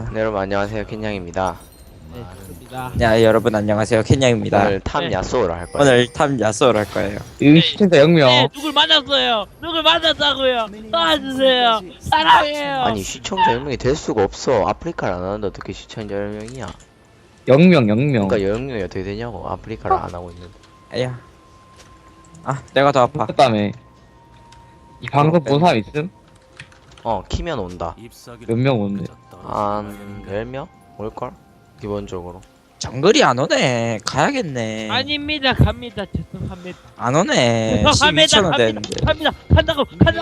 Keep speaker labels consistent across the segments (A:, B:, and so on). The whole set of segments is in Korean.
A: 네, 여러분 안녕하세요, 켄냥입니다.
B: 네, 좋습니다.
C: 야 여러분 안녕하세요 켄냥입니다.
A: 오늘 탐
B: 네.
A: 야쏘를 할 거예요.
C: 오늘 탐 야쏘를 할 거예요.
D: 여기 시청자 0명.
B: 네, 누굴 만났어요? 누굴 만났다고요? 도와주세요. 사랑해요.
A: 아니 시청자 10명이 될 수가 없어. 아프리카를 안 하는데 어떻게 시청자 10명이야?
D: 0명, 0명.
A: 그러니까 10명이 어떻게 되냐고. 아프리카를 안 하고 있는데.
C: 에야. 아 내가 더 아파.
D: 그다음에 이 방송 본 사람 있음?
A: 키면 온다.
D: 몇 명 오는데?
A: 한 10명? 올걸? 기본적으로.
C: 정글이 안 오네. 가야겠네.
B: 아닙니다. 갑니다. 죄송합니다.
C: 안 오네.
B: 죄송합니다.
C: 12,000원
B: 갑니다.
C: 되는데.
B: 갑니다. 간다고.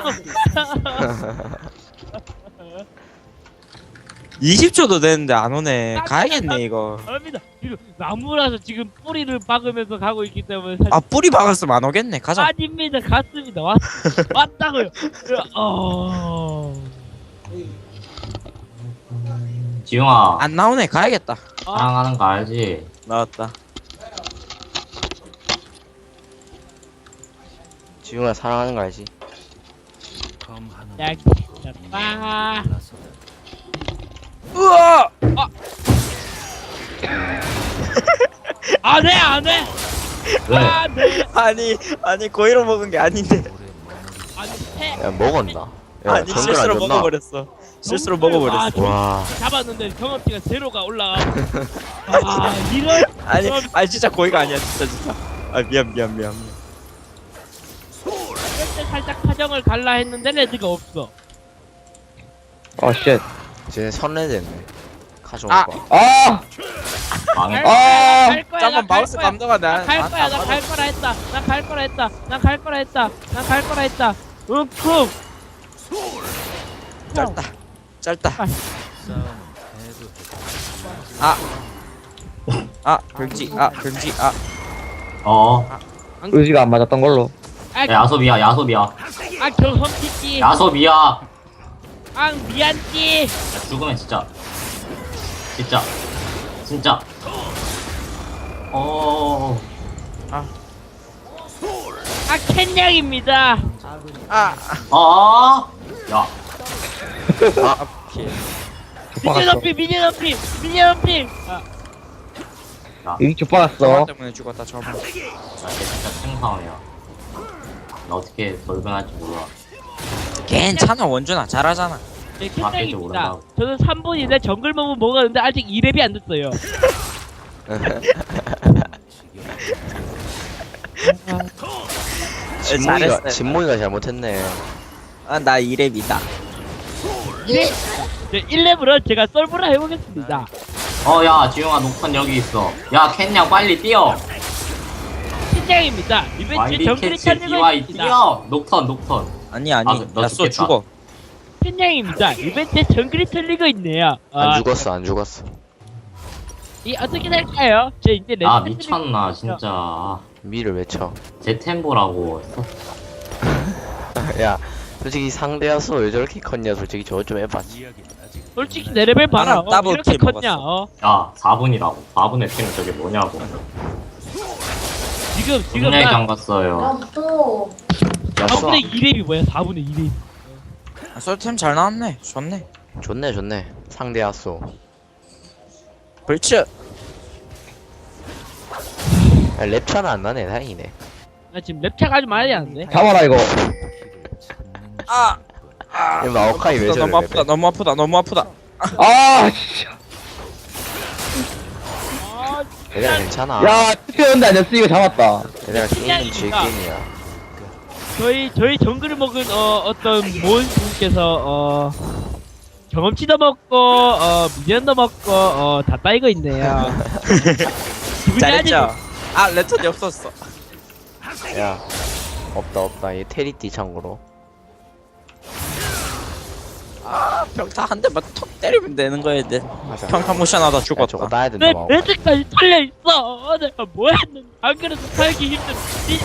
C: 20초도 되는데 안 오네. 가야겠네 이거.
B: 갑니다. 지금 나무라서 지금 뿌리를 박으면서 가고 있기 때문에 사실
C: 아 뿌리 박았으면 안 오겠네. 가자.
B: 아닙니다. 갔습니다. 왔다고요.
E: 지용아,
C: 안 나오네. 가야겠다.
E: 사랑하는 거 알지?
C: 나왔다.
A: 지웅아 사랑하는 거 알지?
B: 야, 빠.
C: 우와.
B: 안 해, 안 해.
E: 왜?
B: 안 해.
C: 아니 고의로 먹은 게 아닌데.
B: 안 해.
A: 야 먹었나? 야
C: 아니
A: 정글
C: 실수로
A: 안 줬나?
C: 먹어버렸어. 실수로 먹어버렸어.
A: 와.
B: 잡았는데 경험치가 제로가 올라가. 이런.
C: 아니 진짜 고의가 아니야 진짜. 아 미안.
B: 이럴 때 살짝 사정을 갈라 했는데 레드가 없어.
D: 아, 쉣.
A: 쟤네 선례됐네. 가져올
C: 아.
A: 거.
D: 아!
E: 망했다.
D: 아!
B: 갈 거야.
C: 잠깐 마우스 감도가
B: 갈 거야. 나 갈 거라 했다. 난 갈 거라 했다. 난 갈 거라 했다. 난 갈 거라 했다. 욱욱.
C: 짧다. 병지.
D: 의지가 안 맞았던 걸로.
B: 아,
E: 야소비야, 야소비야.
B: 경험치지.
E: 야소비야. 야,
B: 미안지.
E: 죽으면 진짜. 진짜.
B: 캔냥입니다.
E: 야,
D: 족박았어.
B: 미니어피.
D: 여기 족박았어.
C: 때문에 죽었다 저번.
E: 나 이게 진짜 생상이야. 나 어떻게 돌변할지 몰라.
C: 괜찮아 원준아 잘하잖아.
B: 네,
E: 밖에 좀
B: 캔냥입니다.
E: 오른다고.
B: 저는 3분인데 정글 먹은 먹었는데 아직 2렙이 안 됐어요.
A: 진모이가 진모이가 잘못했네.
C: 나 2렙이다.
B: 1렙으로 제가 썰브라 해보겠습니다.
E: 야, 지용아, 녹턴 여기 있어. 야, 캔냥 빨리 뛰어.
B: 캔냥입니다. 이벤트
E: YB
B: 정글이
E: 캐치
B: 찾는
E: DY
B: 것입니다.
E: 뛰어. 녹턴.
C: 아니
E: 아, 너
C: 야쏘
E: 죽겠다.
C: 죽어.
B: 캔냥입니다. 이벤트 정글이 틀리고 있네요.
A: 안 죽었어.
B: 이 어떻게 될까요? 저 이제 레드
E: 아, 미쳤나, 진짜.
A: 미를 외쳐.
E: 제 템보라고.
A: 야, 솔직히 상대야서 왜 저렇게 컸냐? 솔직히 저거 좀 해봐.
B: 솔직히 내 레벨 봐라.
C: 나는 더블
B: 이렇게
C: 킬
B: 컸냐?
C: 먹었어.
E: 야, 4분이라고. 4분의 템이 저게 뭐냐고.
B: 지금
E: 분야에
B: 나
E: 잠갔어요.
A: 야쏘.
B: 4분의 2렙이 뭐야? 4분의 2렙.
C: 솔템 잘 나왔네. 좋네.
A: 좋네. 상대야쏘.
C: 벌츠.
A: 랩차는 안 나네. 다행이네.
B: 나 지금 랩차 가지 말아야 하는데.
D: 잡아라, 이거.
A: 이 마오카이 왜 저래?
C: 너무 아프다.
D: 아, 진짜.
A: 얘들아 괜찮아.
D: 야, 투표였는데 아니었으니까 잡았다.
A: 얘들아 게임은 즐게임이야.
B: 저희 정글을 먹은 어떤 모은 분께서 경험치도 먹고 미련도 먹고 다 따이고 있네요. 기분이
C: 잘했죠. 레턴이 없었어.
A: 야, 없다. 얘 테리띠 참고로.
C: 평타 한 대만 턱 때리면 되는 거였는데.
A: 맞아.
C: 평타 모션하다
A: 야, 저거
C: 죽었다.
A: 따야 된다.
B: 내
A: 마오.
B: 레드까지 털려 있어. 내가 뭐 했는데 안 그래도 살기 힘든.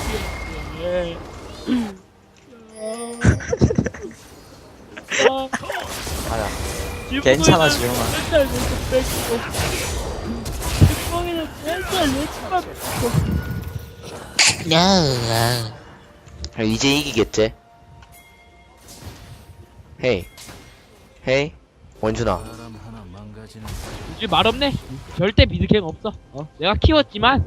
A: 아야.
C: 괜찮아, 지용아.
B: 맨날 레드 뺏기고. 뒷봉이는 맨날 레드만 뺏고.
A: 이제 이기겠지? 헤이 원준아.
B: 이 말없네. 절대 미드갱 없어. 내가 키웠지만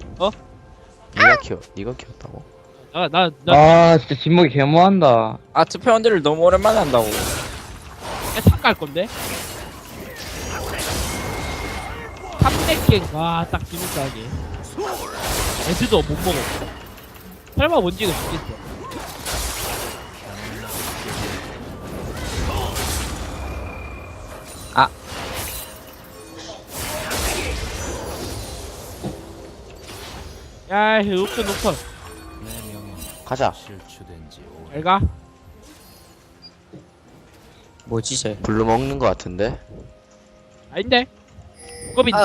A: 니가 키웠다고?
B: 나
D: 아 진짜 진목이 개모한다.
C: 아 투표원들을 너무 오랜만에 한다고.
B: 탑갈 건데. 300갱 와딱 지금까지. 애들도 못 먹어. 설마 원지가 죽겠어.
C: 아.
B: 야, 녹턴.
A: 가자.
B: 잘 가.
C: 뭐지 쟤?
A: 블루 먹는 거 같은데?
B: 아닌데. 꼬빈.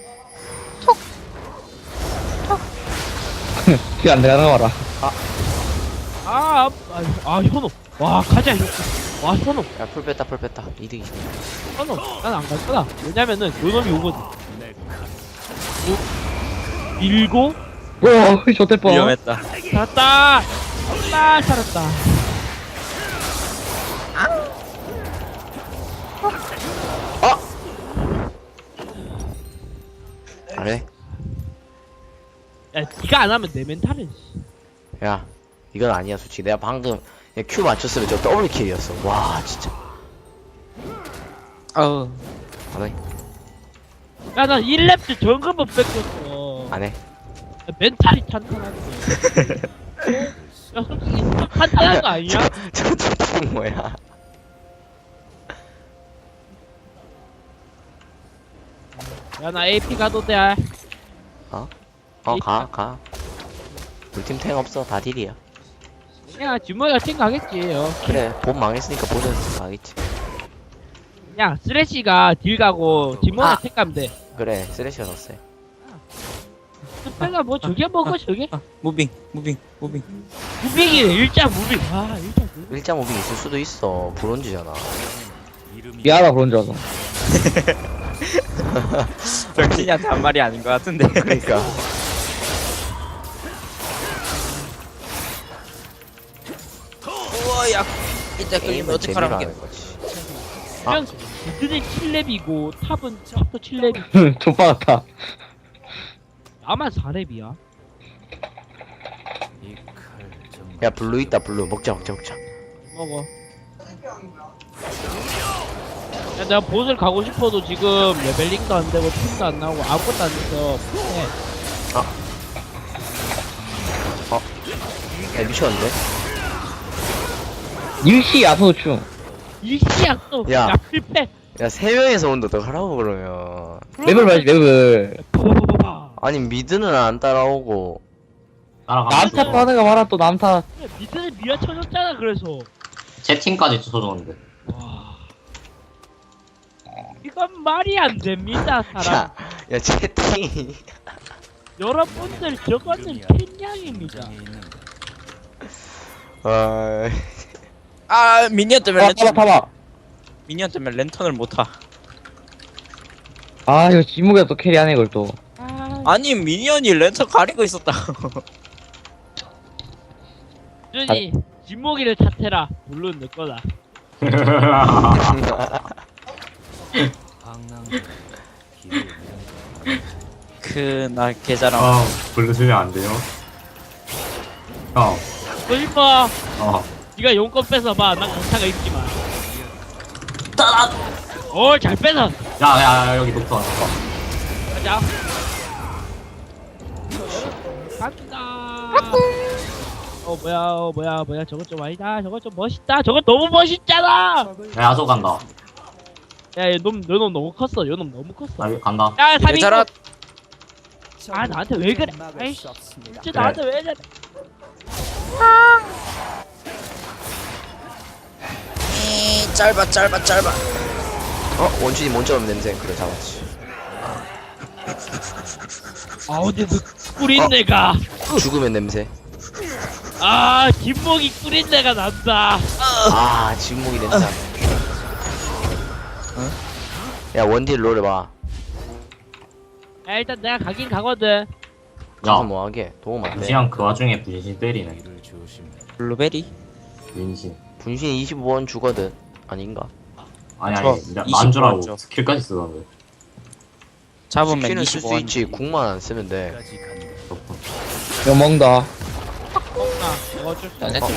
D: 기안 내가 봐라.
B: 현호. 와, 가자, 현호. 와, 현호.
A: 야, 풀 뺐다. 이득이.
B: 현호. 난 안 갈 거다. 왜냐면은, 요놈이 오거든. 밀고,
D: 오 좋대 뻔.
C: 위험했다.
B: 살았다. 살았다.
A: 안 해?
B: 야, 니가 안 하면 내 멘탈은,
A: 야, 이건 아니야, 솔직히. 내가 방금 그냥 Q 맞췄으면 저 더블 킬이었어. 와, 진짜.
C: 아우.
A: 안 해?
B: 야, 나 1렙 정금은 뺏겼어.
A: 안 해?
B: 야, 멘탈이 탄탄한데. 야, 솔직히 좀 탄탄한 거 아니야?
A: 저 뭐야?
B: 야, 나 AP 가도 돼.
A: 가. 우리 팀 탱 없어. 다 딜이야.
B: 야, 주머니가 생각하겠지.
A: 그래, 본 망했으니까 보는 가겠지.
B: 야, 쓰레쉬가 딜 가고 뒷머리 택가면 돼.
A: 그래, 쓰레쉬가 졌어요.
B: 스페가 뭐 저게 먹어 저게?
C: 무빙.
B: 무빙이네. 일자 무빙. 아, 일자 무빙.
A: 일자 무빙 있을 수도 있어. 브론즈잖아.
D: 미안하다 그런 줄 알았어.
C: 정신이한테 한 말이 아닌 것 같은데.
A: 그러니까.
C: 우와 야. 이제 끌리면
A: 게임은 재미로
C: 어떡하라는 게.
A: 하는 거지.
B: 그냥 미드는 7렙이고 탑도 7렙이.
D: 족바 같아.
B: 나만 4렙이야.
A: 야, 블루 있다, 블루. 먹자.
B: 먹어. 야, 내가 보스를 가고 싶어도 지금 레벨링도 안 되고 팀도 안 나오고 아무것도 안 돼서 해.
A: 야, 미쳤는데?
D: 일시 야소충.
B: 일시야 또.
A: 야.
B: 야, 필패.
A: 야, 3명에서 온다. 어떡하라고, 그러면.
D: 맵을 봐야지 맵을.
A: 아니, 미드는 안 따라오고.
E: 따라가면
D: 남타 또 하다가 말아 또 남타.
B: 미드는 미아 쳐줬잖아. 그래서.
E: 채팅까지 쳐줬는데.
B: 와. 이건 말이 안 됩니다, 사람.
A: 야, 채팅이.
B: 여러분들 저거는 캔냥입니다.
C: 아 미니언 때문에
D: 타봐.
C: 미니언 때문에 랜턴을 못 타.
D: 아 이거 진목이가 또 캐리하네 이걸 또.
C: 아니 미니언이 랜턴 가리고 있었다.
B: 준이 진목이를 탓해라. 물론 내 거다.
C: 그나 계좌랑.
E: 블루 주면 안 돼요? 형,
B: 너 이뻐. 네가 용건 뺏어봐. 난 강타가 있지만. 오, 잘 뺏어.
E: 야, 여기 녹턴.
B: 가자. 간다. 뭐야. 저거 좀 아니다. 저거 좀 멋있다. 저거 너무 멋있잖아.
E: 야, 야소 간다.
B: 야, 요놈 너무 컸어. 요놈 너무 컸어.
E: 나 간다.
B: 야, 3인.
C: 계좌라.
B: 아, 나한테 왜 그래? 아이씨. 진짜 나한테 왜 그래?
C: 짧아.
A: 원준이 먼저 오면 냄새. 그래, 잡았지.
B: 아, 근데 그 꿀인 내가.
A: 죽으면 냄새.
B: 아, 김목이 꿀인 내가 난다.
A: 아, 진목이 냄새. 야, 원딜 롤 해봐.
B: 야, 일단 내가 가긴 가거든.
A: 가서
E: 야,
A: 뭐하게? 도움 안 돼.
E: 무시한 그 와중에 분신 때리네.
C: 블루베리.
E: 민신.
A: 분신 25원 주거든. 아닌가?
E: 아니,
C: 저
E: 만주라고
C: 25원 줘.
E: 스킬까지 쓰던데.
C: 잡으면
A: 스킬은 쓸 수
C: 25원.
A: 있지. 궁만 안 쓰면 돼.
D: 이거 먹는다.
B: 먹나 어쩔 수 없어.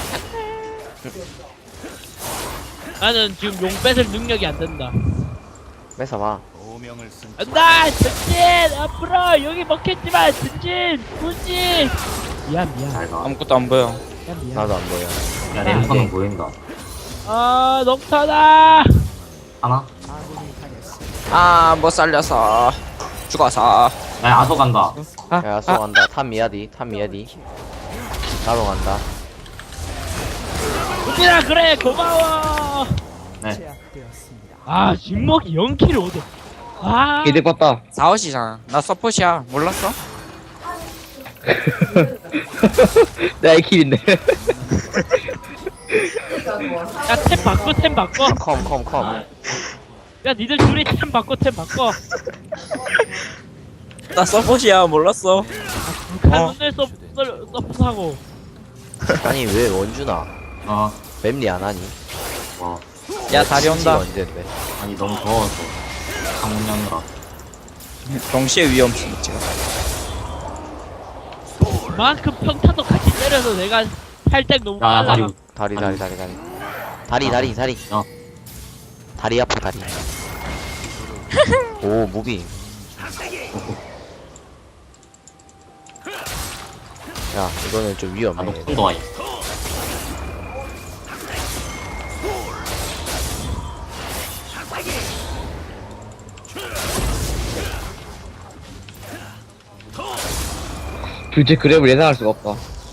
B: 나는 지금 용 뺏을 능력이 안 된다.
A: 뺏어봐.
B: 안다 전진 앞으로 여기 먹혔지만 전진 후진. 미안
E: 잘 가.
C: 아무것도 안 보여.
B: 미안.
A: 나도 안 보여.
E: 야, 랜턴은 보인다.
B: 아 녹타다.
E: 하나?
C: 아, 못 살려서 죽어서.
E: 야, 아소 간다.
A: 야, 쏘 간다. 탑 미야디. 나도 간다.
B: 후진아 그래 고마워.
E: 네.
B: 아 진먹이 0킬을 얻어. 아
D: 이득 봤다.
C: 4호시잖아. 나 서폿이야. 몰랐어?
D: 내가 1킬인데.
B: 야 템 바꿔 템 바꿔.
A: 컴.
B: 야 니들 둘이 템 바꿔 바꿔.
C: 나 서폿이야. 몰랐어.
B: 카눈에 서프하고.
A: 아니, 왜 원준아?
E: 어.
A: 맵리 안 하니?
E: 와.
C: 야, 다리 온다.
A: 언젠데?
E: 아니, 너무 더워서. 상문연으라.
C: 동시에 위험성 있지.
B: 그만큼 평타도 같이 때려서 내가 팔땡 너무
E: 야,
B: 빨라.
E: 다리.
A: 다리.
E: 야.
A: 다리 아파, 다리. 오, 무빙. 야, 이거는 좀
E: 아,
A: 위험해.
E: 높은 거 아니.
D: 둘째 그랩을 예상할 수가 없다.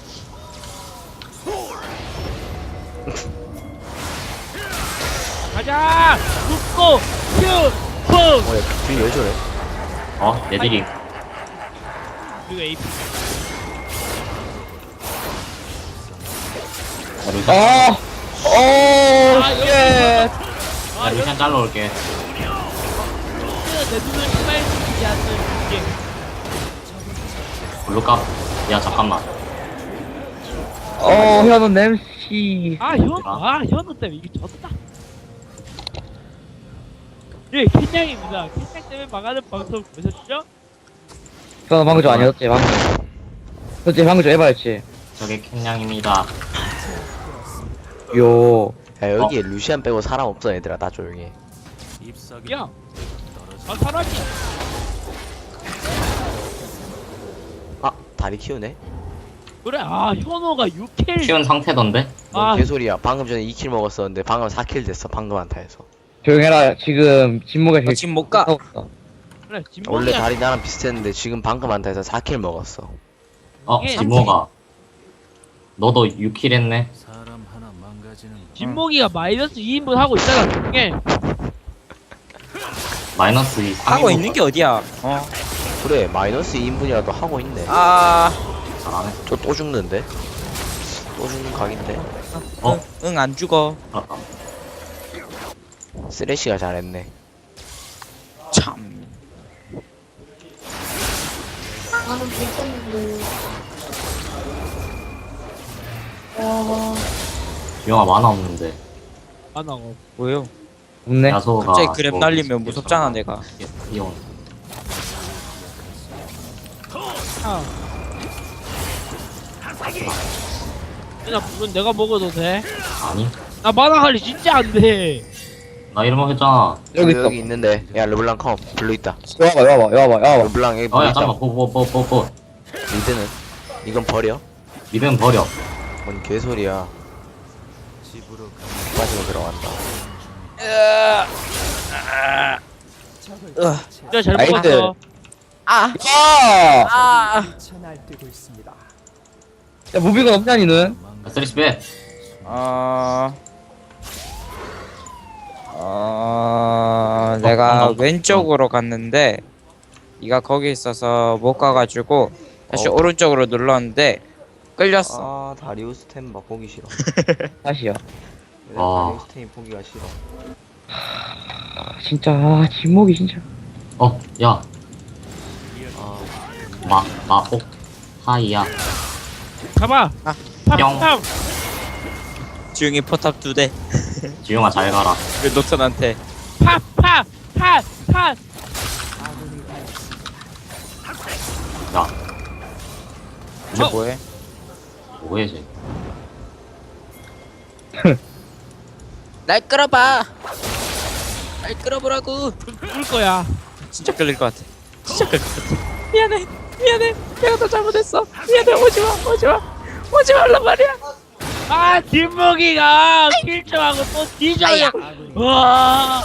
B: 가자. 눕고 큐 펑.
A: 야, 균이 왜 저래?
E: 어? 얘들이.
B: 그리고 AP.
E: 야, 루시안.
D: 아! 오,
B: 아,
D: 쉣!
E: 야,
B: 아 여기
E: 루시안 잘라 올게.
B: 내 눈을 빨리지 않는 게.
E: 블루값. 야, 잠깐만.
D: 현우 냄씨.
B: 현우 때문에 이게 졌다. 예, 캔냥입니다. 캔냥 때문에 망하는 방송 보셨죠?
D: 현우 방금 좀 아니었지, 방금. 그렇지, 방금 좀 해봐야지.
E: 저게 캔냥입니다.
D: 요.
A: 야, 여기에 루시안 빼고 사람 없어, 얘들아. 나 조용히 해.
B: 야, 아 사람이.
A: 아, 다리 키우네?
B: 그래, 아 현우가 6킬.
E: 키운 상태던데?
A: 뭔
B: 아.
A: 개소리야. 방금 전에 2킬 먹었었는데, 방금 4킬 됐어. 방금 한타에서.
D: 조용해라, 지금 진목에
C: 나 지금 못 가.
D: 하고 있어.
B: 그래,
A: 원래
B: 진목이야.
A: 다리 나랑 비슷했는데, 지금 방금 한타에서 4킬 먹었어.
E: 어,
B: 이게
E: 지모가. 너도 6킬 했네?
B: 진목이가 마이너스 2인분 하고 있잖아. 중에.
E: 마이너스 2.
C: 하고 있는 게 어디야? 어.
A: 그래, 마이너스 2인분이라도 하고 있네.
C: 아,
E: 잘하네.
A: 저 또 죽는데? 또 죽는 각인데?
E: 어?
C: 응, 안 죽어.
E: 알았다.
A: 쓰레쉬가 잘했네.
C: 참.
F: 나는 못했는데.
E: 영화 만화 없는데.
B: 안 하고.
C: 뭐요?
D: 없네.
E: 야소가.
C: 갑자기 그랩
E: 뭐
C: 날리면 무섭잖아, 내가.
E: 이온.
B: 아. 나 물론 내가 먹어도 돼.
E: 아니?
B: 나 만화 관리 진짜 안 돼.
E: 나 이런 거 했잖아.
D: 여기 있어.
A: 여기 있는데. 야, 르블랑 컴. 블루 있다.
D: 와봐.
A: 르블랑 여기
E: 어,
A: 블루
E: 야,
A: 있다.
E: 잠깐만. 보.
A: 미드는? 이건 버려?
E: 니는 버려.
A: 뭔 개소리야. 빠지고 들어간다.
B: 진짜 잘
D: 나이스.
B: 먹었어.
C: 아,
D: 야!
C: 아.
D: 야, 무비가 없냐, 니는?
E: 쓰리스 배.
C: 내가
E: 방금-
C: 왼쪽으로 갔는데 네가 거기 있어서 못 가가지고 다시
A: 어.
C: 오른쪽으로 눌렀는데 끌렸어.
A: 아, 다리우스 템바 보기 싫어.
D: 다시요.
A: 다리우스 템이 보기가 싫어.
D: 진짜, 진목이 진짜.
E: 어, 야.
A: 아,
E: 마폭. 하이야.
B: 가봐.
C: 아.
E: 뿅.
B: 팝.
C: 지웅이 포탑 2대.
E: 지용아, 잘 가라.
C: 왜 노턴한테?
B: 팝.
C: 쟤 뭐해?
E: 뭐해 쟤?
C: 날 끌어봐. 날 끌어보라고.
B: 울 거야.
C: 진짜 끌릴 것 같아. 진짜 끌릴 것 같아. 미안해. 내가 더 잘못했어. 미안해. 오지 말란 말이야.
B: 아 뒷목이가 킬점하고 또 뒤져요. 와.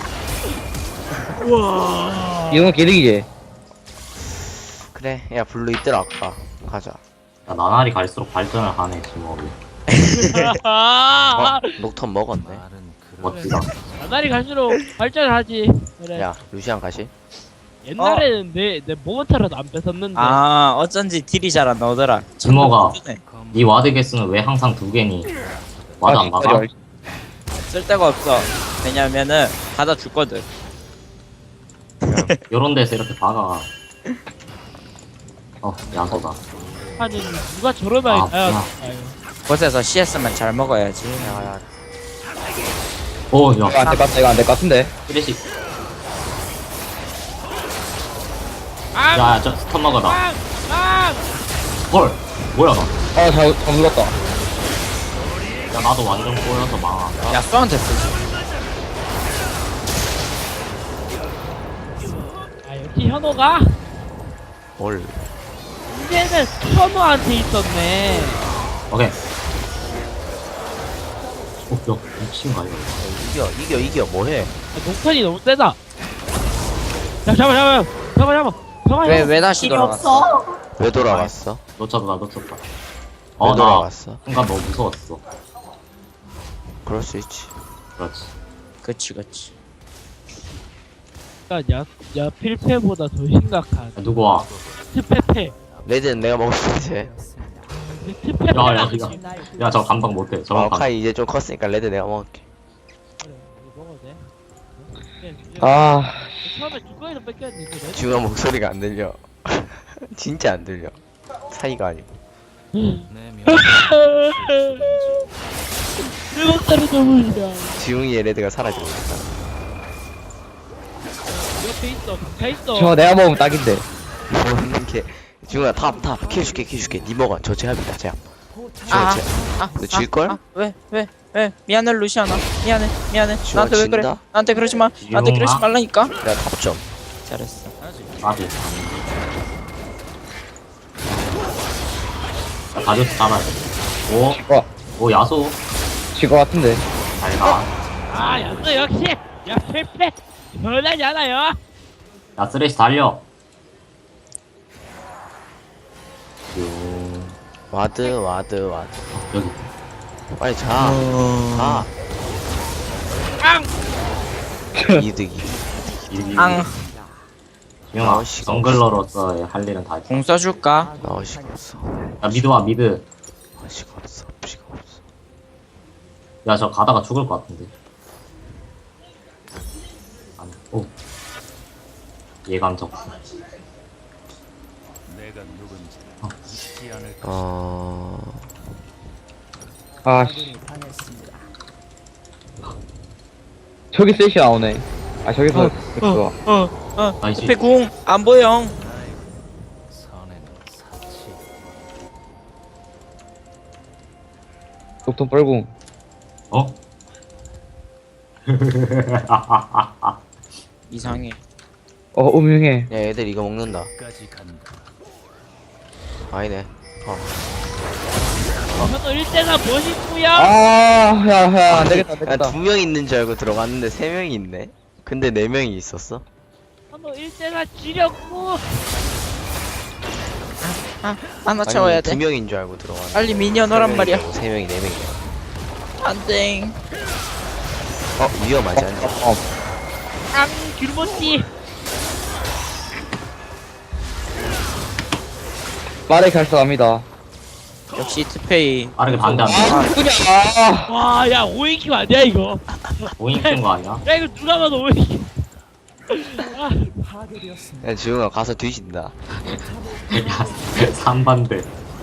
B: 와.
D: 이건 개득이지.
A: 그래 야 블루 있더라 아까 가자.
E: 야, 나날이 갈수록 발전을 하네 지목이.
B: 아.
A: 녹턴 먹었네.
E: 멋지다.
B: 나날이 갈수록 발전하지. 그래.
A: 야 루시안 가시?
B: 옛날에는 내 모먼트라도 안 뺏었는데.
C: 아 어쩐지 딜이 잘 안 나오더라.
E: 지모가
C: 네.
E: 네 와드 개수는 왜 항상 2개니? 와드 안 막아?
C: 쓸 데가 없어. 왜냐면은 받아 죽거든.
E: 요런 데서 이렇게 박아. 야소다.
B: 아니 누가 저런 아이.
E: 아,
B: 아유.
E: 야.
B: 아유.
C: 곳에서 CS만 잘 먹어야지.
A: 야야
E: 오,
D: 이거
E: 야,
D: 안될 것 같다. 이거 안될 것 같은데.
E: 쓰레쉬.
B: 아.
E: 야, 저 스턴 먹어다.
B: 아. 아.
E: 헐, 뭐야 나?
D: 잘 눌렀다.
E: 야, 나도 완전 꼬여서 망하.
C: 야 수한테 쓰지.
B: 아 역시 현호가
A: 뭘
B: 이제는 현호한테 있었네.
E: 오케이. 야, 미친가 이거.
A: 이겨 뭐해?
B: 녹턴이 너무 세다. 야 잡아.
C: 왜 다시 돌아갔어?
A: 왜 돌아갔어?
E: 놓쳤다.
A: 왜
E: 나
A: 돌아갔어?
E: 순간 너무 무서웠어.
A: 그럴 수 있지.
E: 그렇지.
C: 그치.
B: 야 필패보다 더 심각한
E: 야, 누구 와?
B: 스페페.
A: 레드는 내가 먹었어 이제.
B: 스페페.
E: 야, 저 감당 못해. 저런 감당.
A: 카이 이제 좀 컸으니까 레드 내가 먹을게.
B: 그래, 이거 먹어도 돼?
D: 아,
B: 처음에 주거에서 뺏겼는데
A: 지웅아 목소리가 안 들려. 진짜 안 들려. 사이가 아니고.
B: 내 목소리 너무 싫어.
A: 지웅이의 레드가 사라지고 있다.
B: 옆에 있어. 가까이 있어.
D: 저 내가 먹으면 딱인데.
A: 먹는 게 지웅아 탑 키워줄게. 니 먹어. 저 제압이다 제압. 너 질걸?
C: 왜? 미안해 루시아나. 미안해.
A: 지워,
C: 나한테 왜 그래?
A: 진다?
C: 나한테 그러지 마. 나한테 그러지
E: 지용아?
C: 말라니까.
A: 내가 탑점.
C: 잘했어.
E: 나도. 야, 다리우스 잡아야 돼.
D: 와,
E: 오, 야소.
D: 질것 같은데.
E: 잘 가.
B: 아 였어 역시. 야 필패. 변하지 않아요.
E: 야, 쓰레쉬 달려.
A: 와드.
E: 여기.
A: 빨리 자. 가.
B: 앙.
A: 이득이.
C: 앙.
E: 지용아,
A: 시간
E: 정글러로서 할 일은 다 했어.
C: 공 써줄까?
A: 시간 없어.
E: 야, 미드 와, 미드.
A: 시간 없어.
E: 야, 저 가다가 죽을 것 같은데. 아니, 오. 예감 적수.
D: 아, 씨. 저기 셋이 나오네. 아, 저기서 좋아.
E: 나이스.
C: 옆에 궁 안 보여.
D: 녹턴 뻘궁.
E: 어?
C: 이상해.
D: 음흉해.
A: 야 얘들 이거 먹는다. 아니네.
B: 현호 1대가 멋있구요.
D: 야, 안 되겠다.
A: 두 명 있는 줄 알고 들어갔는데 세 명이 있네. 근데 네 명이 있었어.
B: 현호 1대가 지렸고.
C: 하나 채워야
A: 두
C: 돼.
A: 명인 줄 알고 들어갔는데.
C: 빨리 미니언 오란 말이야.
A: 세 명이 네 명이야.
C: 안돼.
A: 위험하지 않냐?
B: 앙 귤모띠.
D: 빠르게 갈수합니다.
C: 역시 투페이.
E: 빠르게 반대한다.
D: 그냥,
B: 와야 5인큐 아니야 이거.
E: 오인 뜬거 아니야?
B: 야 이거 누가 봐도 5인큐.
A: 야 지웅아 가서 뒤진다.
E: 야, 3반대.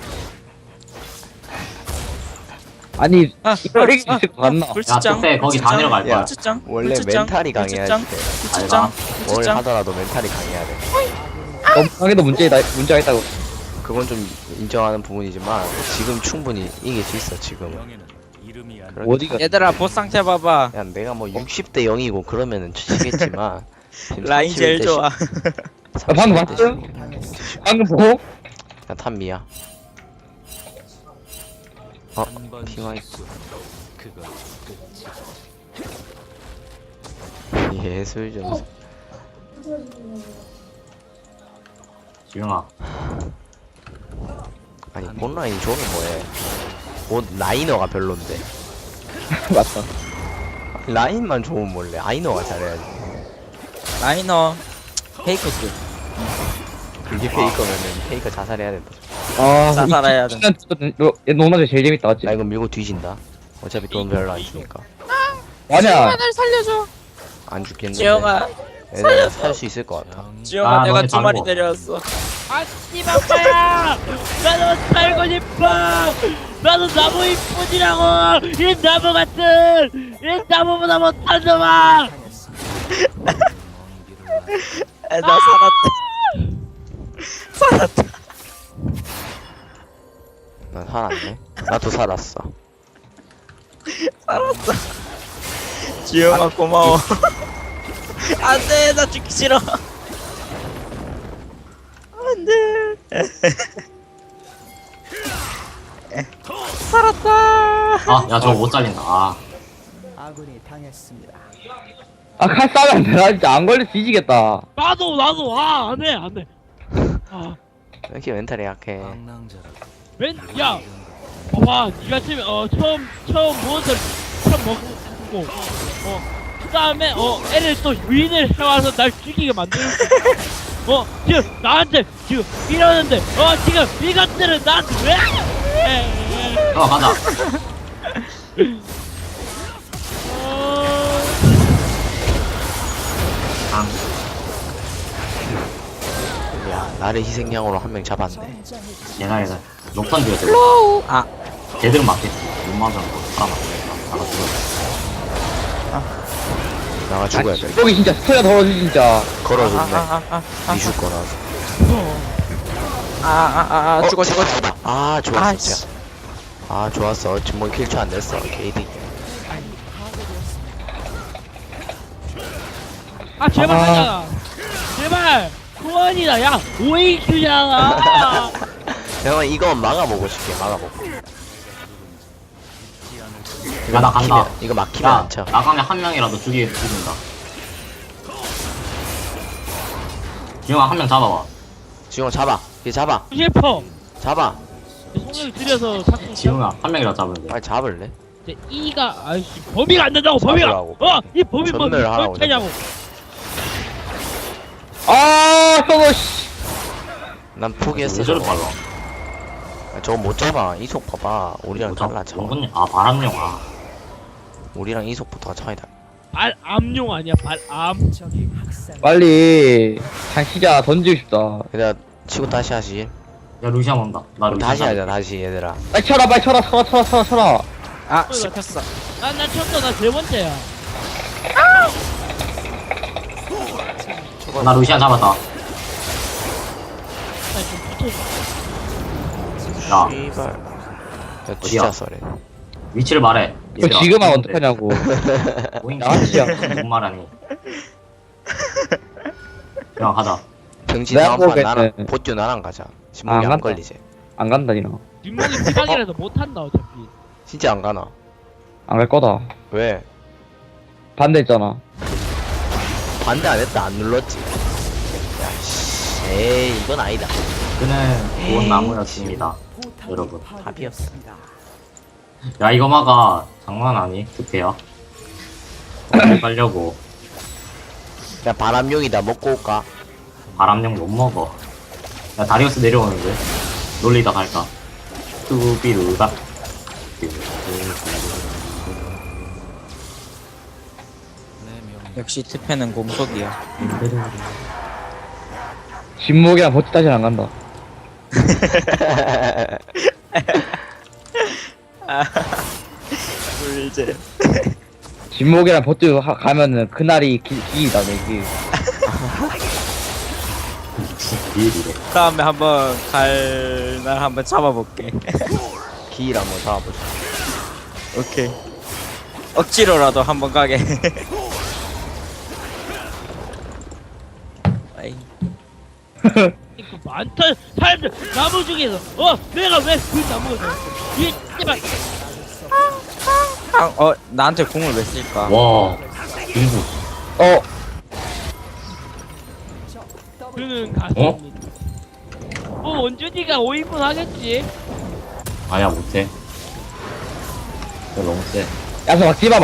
D: 아니, 이걸 이길 수 맞나?
E: 야,
C: 불치장.
E: 그때 거기 다 내려갈 거야.
C: 불치장.
A: 원래
C: 불치장,
A: 멘탈이 강해야지
C: 불치장,
A: 돼.
C: 불치장.
A: 뭘
C: 불치장.
A: 하더라도 멘탈이 강해야 돼.
D: 너무 강해도 문제가 있다고.
A: 그건 좀 인정하는 부분이지만 지금 충분히 이길 수 있어 지금. 그렇게
D: 어디가
C: 얘들아 보스 상태 봐봐.
A: 야 내가 뭐 60대 0이고 그러면은 치겠지만 지금
C: 라인 제일
A: 31대
C: 좋아.
D: 방금 봤음? 방금 보고?
A: 야 탐미야. 핑화이트. 예술 좀.
E: 지영아
A: 아니 본라인이 좋은 뭐해? 옷 라이너가 별론데.
D: 맞다.
A: 라인만 좋으면 몰래 라이너가 잘해야지.
C: 라이너 페이커급.
A: 그게 페이커면은 페이커 자살해야 된다.
D: 아,
C: 자살해야 돼.
D: 얘 노나제 제일 재밌다, 맞지?
A: 나 이거 밀고 뒤진다. 어차피 돈 별로 안 주니까.
D: 아니야.
C: 날 살려줘.
A: 안 죽겠는데.
C: 지영아,
A: 얘들아 살수 있을 것 같아.
C: 지영아 내가
E: 너네
C: 두 마리
E: 다르고.
C: 데려왔어.
B: 아 씨발빠야 나도 살고 싶어. 나도 나무 이쁘지라고. 이 나무 같은 이 나무보다 못한 놈아.
C: 나 살았다.
A: 난 살았네. 나도 살았어.
C: 지영아 고마워. 안돼 나 죽기 싫어. 안돼. 살았다.
E: 아 야 저거 못 잘린다. 아
D: 아, 칼 싸면 안 돼. 나 진짜 안 걸려 뒤지겠다.
B: 나도 안해. 아.
A: 왜 이렇게 멘탈이 약해.
B: 야, 봐봐, 니가 지금 처음 무엇을 처음 먹고, 그 다음에 애를 또 유인을 해와서 날 죽이게 만들고, 지금 나한테 지금 이러는데, 지금 이것들은 나한테 왜?
E: 가자. 아,
A: 야 나를 희생양으로 한 명 잡았네.
E: 얘나 녹턴 뒤에 들
C: 아
E: 제대로 맞겠지. 못 맞으면 살아남겠다. 나가 죽어.
A: 나가 죽어야 돼.
D: 여기 진짜 스토리가 더러지, 진짜.
A: 걸어줬네. 이줄 거라서.
C: 죽어.
A: 잡아. 아 좋았어
C: 아,
A: 진짜. 아 좋았어. 지금 뭐 킬초 안 됐어. KD.
B: 아, 제발 하자. 제발. 소원이다. 야, OAQ잖아.
A: 내가 이거 막아보고 싶게 막아보고.
E: 야, 나 간다.
A: 이거 막히면
E: 야
A: 안 쳐.
E: 나가면 한 명이라도 죽인다. 지영아 한 명 잡아봐.
A: 지용아 잡아. 얘 잡아.
B: 싶어.
A: 잡아.
B: 성을 들여서 자꾸
E: 지영아 한 명이라도 잡으면 돼.
A: 빨리 잡을래?
B: 이제 이가 아이씨 범위가 안 된다고 범위가.
A: 잡으라고.
B: 이 범위
A: 전멸 하라고,
B: 어떻게냐고.
D: 아, 저거, 씨.
A: 난 포기했어.
E: 왜 저리
A: 저거.
E: 빨라?
A: 저거 못 잡아. 이속 봐봐. 우리랑 달라 쳐.
E: 아 바람용. 아
A: 우리랑 이속부터가 차이다.
B: 발암용 아니야 발암.
D: 빨리. 단시자 던지고 싶다.
A: 얘들아 치고 다시 하지.
E: 야 루시안 온다. 나 루시안
A: 다시
E: 잡을게.
A: 하자 다시 얘들아.
D: 빨리 쳐라, 빨리 쳐라, 쳐라.
C: 아 씹혔어.
B: 나 쳤어 나 세 번째야.
E: 나 루시안 잡았다.
B: 나좀 붙어.
E: 야
A: 씨발. 야 진짜 썰해.
E: 위치를 말해.
D: 저 지금 하면 어떡하냐고.
E: 나한테야 못 말하니. 야 가자.
A: 병신
D: 내가
A: 다음판
D: 보기에는-
A: 나랑 보듀 나랑 가자. 신문이
D: 안
A: 안
D: 간다.
A: 걸리지.
D: 안 간다, 니너.
B: 뒷목이 비방이라서 못한다 어차피.
A: 진짜 안 가나?
D: 안 갈 거다.
A: 왜?
D: 반대했잖아.
A: 반대 안 했다 안 눌렀지. 야씨. 에이 이건 아니다.
E: 그는 좋은 나무였습니다. 여러분.
A: 답이었어.
E: 야 이거 막아. 장난 아니? 득해요. 어디 가려고.
A: 야 바람용이다 먹고 올까?
E: 바람용 못 먹어. 야 다리우스 내려오는데. 놀리다 갈까? 뚜비루가.
C: 역시 트페는 공속이야.
D: 진목이랑 버티 다시는 안 간다.
C: 불제.
D: 진목이랑 버티 가면은 그날이 기이다, 내 기.
E: 딜이래.
C: 다음에 한번 갈 날 한번 잡아볼게.
A: 기일 한번 잡아보자.
C: 오케이. 억지로라도 한번 가게. 아이.
B: 이거 많던 사람들 나무 중에서 내가 왜 그 나무가 되었어? 이 제발
C: 나한테 궁을 왜 쓸까?
E: 와, 딜도.
B: 그는 갔습니다. 원준이가 5인분 하겠지?
E: 아니야, 못해. 너 너무 세.
D: 야서 막지마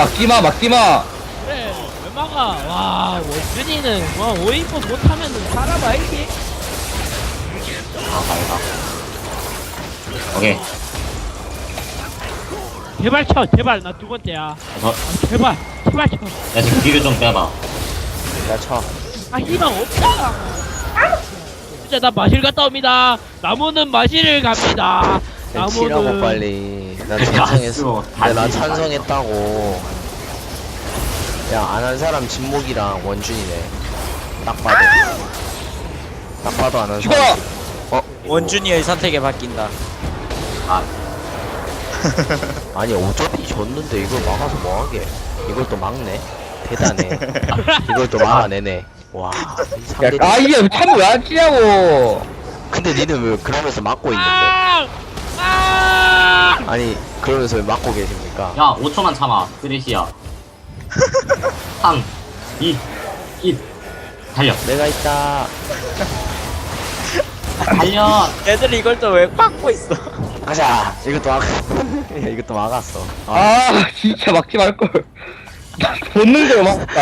B: 그래 왜 막아? 와 원준이는 5인분 못하면은 사람 알지?
E: 아, 밝아. 오케이.
B: 제발 쳐 제발 나 두 번째야. 제발 쳐.
E: 야, 지금 딜을 좀 빼봐.
A: 야, 쳐.
B: 희망 없다. 진짜 나 마실 갔다 옵니다. 나무는 마실을 갑니다.
A: 야, 치라고 빨리. 난 찬성했어.
E: 안
A: 난
E: 쓰고
A: 찬성했다고. 야, 안 한 사람 진목이랑 원준이네. 딱 봐도 안 한 사람.
C: 원준이의 선택에 바뀐다.
E: 아,
A: 아니 어차피 졌는데 이걸 막아서 뭐하게. 이걸 또 막네. 대단해. 이걸 또 막아내네. 와. 이 상대.
D: 이게 참 왜 안 치냐고.
A: 근데 니는 왜 그러면서 막고 있는데? 아니 그러면서 왜 막고 계십니까?
E: 야, 5초만 참아. 쓰레시야. 3, 2, 1. 달려.
A: 내가 있다.
E: 달려.
C: 애들이 이걸 또 왜 막고 있어?
A: 가자. 이것도 막. 야, 이것도 막았어.
D: 진짜 막지 말걸. 본능대로 막았다.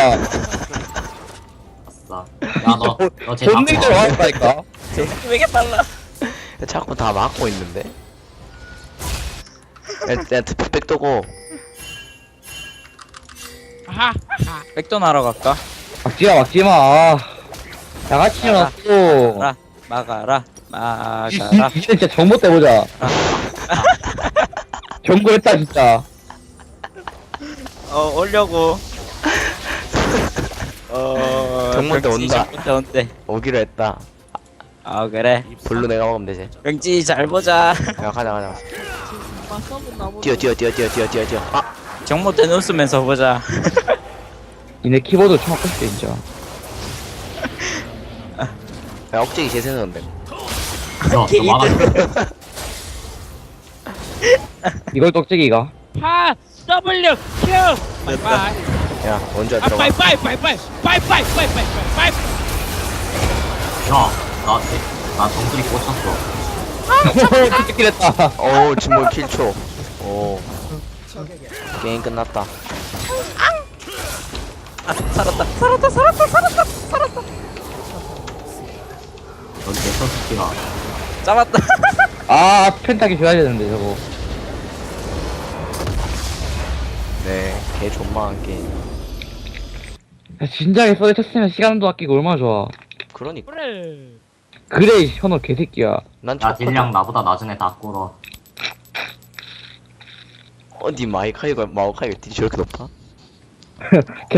E: 아싸. 야, 너쟤
D: 본능대로 막았다니까.
C: 왜 이렇게 빨라?
A: 자꾸 다 막고 있는데. 야, 특백 떠고.
B: 아하.
C: 백돈 하러 갈까?
D: 막지마. 다 같이 일어났어.
C: 막아라.
D: 이제 진짜 정보 때보자. 정보했다 진짜.
C: 오려고.
A: 정말 때 온다.
C: 정말 온대.
A: 오기로 했다.
C: 아 그래.
A: 블루 내가 먹으면 되지.
C: 명지 잘 보자.
A: 야, 가자. 뛰어. 아,
C: 정모 때 웃으면서 보자.
D: 니네 키보드 좀 바꿔 줄게 진짜.
A: 야, 억제기 재생하는데.
E: 너 막아.
D: 이걸 떡지기가.
B: W Q 바이바이.
A: 야, 원주야 들어가.
B: 바이바이.
E: 야, 나 정수리 꽂혔어.
D: 떡지기 했다.
A: 오, 진몰 킬초. 오. 게임 끝났다.
C: 살았다.
E: 여기 내 선수기가.
C: 잡았다.
D: 펜타기 줘야 되는데 저거.
A: 네, 개 존망한 게임.
D: 진작에 써에 쳤으면 시간도 아끼고 얼마나 좋아.
A: 그러니까.
B: 그래.
D: 현호 개새끼야.
A: 난
E: 야, 딜량 나보다 낮은 애 다 꿇어.
A: 니 마우카이가 딜이 저렇게 높아?